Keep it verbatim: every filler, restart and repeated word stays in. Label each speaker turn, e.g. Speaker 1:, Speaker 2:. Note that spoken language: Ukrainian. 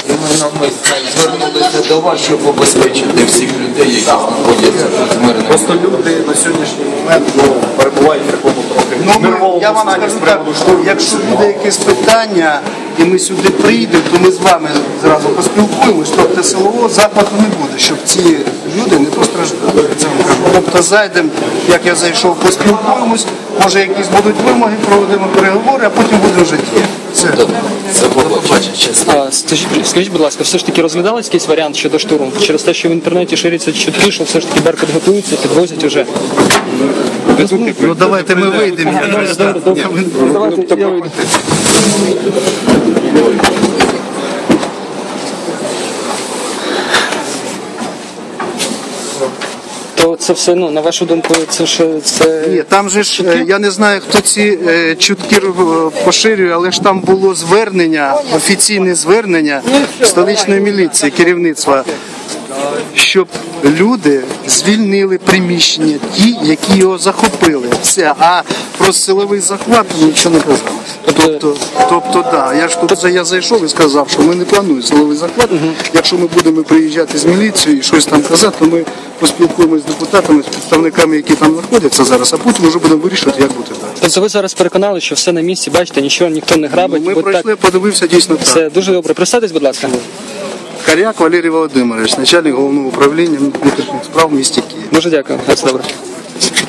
Speaker 1: Ми звернулися до вас, щоб обезпечити всіх людей, які знаходяться тут мирно.
Speaker 2: Просто люди на сьогоднішній момент ну, перебувають в такому трохи нервовому
Speaker 3: Я вам
Speaker 2: стані
Speaker 3: скажу
Speaker 2: з
Speaker 3: так,
Speaker 2: приводу штурму.
Speaker 3: якщо буде якесь питання, і ми сюди прийдемо, то ми з вами зразу поспілкуємось, тобто силового захвату не буде, щоб ці люди не постраждали. Це вам кажу. Тобто зайдемо, як я зайшов, поспілкуємось, може якісь будуть вимоги, проведемо переговори, а потім будемо вже діяти. Це.
Speaker 1: Це побачення, чесно.
Speaker 4: А, скажіть, скажіть, будь ласка, все ж таки розглядалось якийсь варіант щодо штурму? Через те, що в інтернеті шириться чутки, що все ж таки Беркут готується, підвозять уже.
Speaker 3: Ну давайте ми вийдемо.
Speaker 4: Давайте, я вийду. То це все, ну, на вашу думку, це ж це...
Speaker 3: Ні, там же ж, е, я не знаю, хто ці е, чутки е, поширює, але ж там було звернення, офіційне звернення столичної міліції, керівництва, щоб люди звільнили приміщення, ті, які його захопили. Все, а про силовий захват нічого не казалось. Тобто, тобто, да, я ж тут я зайшов і сказав, що ми не плануємо силовий захват. Якщо ми будемо приїжджати з міліцією і щось там казати, то ми поспілкуємося з депутатами, з представниками, які там знаходяться зараз, а потім вже будемо вирішувати, як бути далі.
Speaker 4: Тобто ви зараз переконали, що все на місці, бачите, нічого ніхто не грабить.
Speaker 3: Ми
Speaker 4: бо
Speaker 3: пройшли,
Speaker 4: так...
Speaker 3: подивився, дійсно так.
Speaker 4: Все дуже добре. Представтесь, будь ласка.
Speaker 3: Коряк Валерій Володимирович, начальник головного управління внутрішніх справ в місті Київ.
Speaker 4: Дуже дякую. Все добре.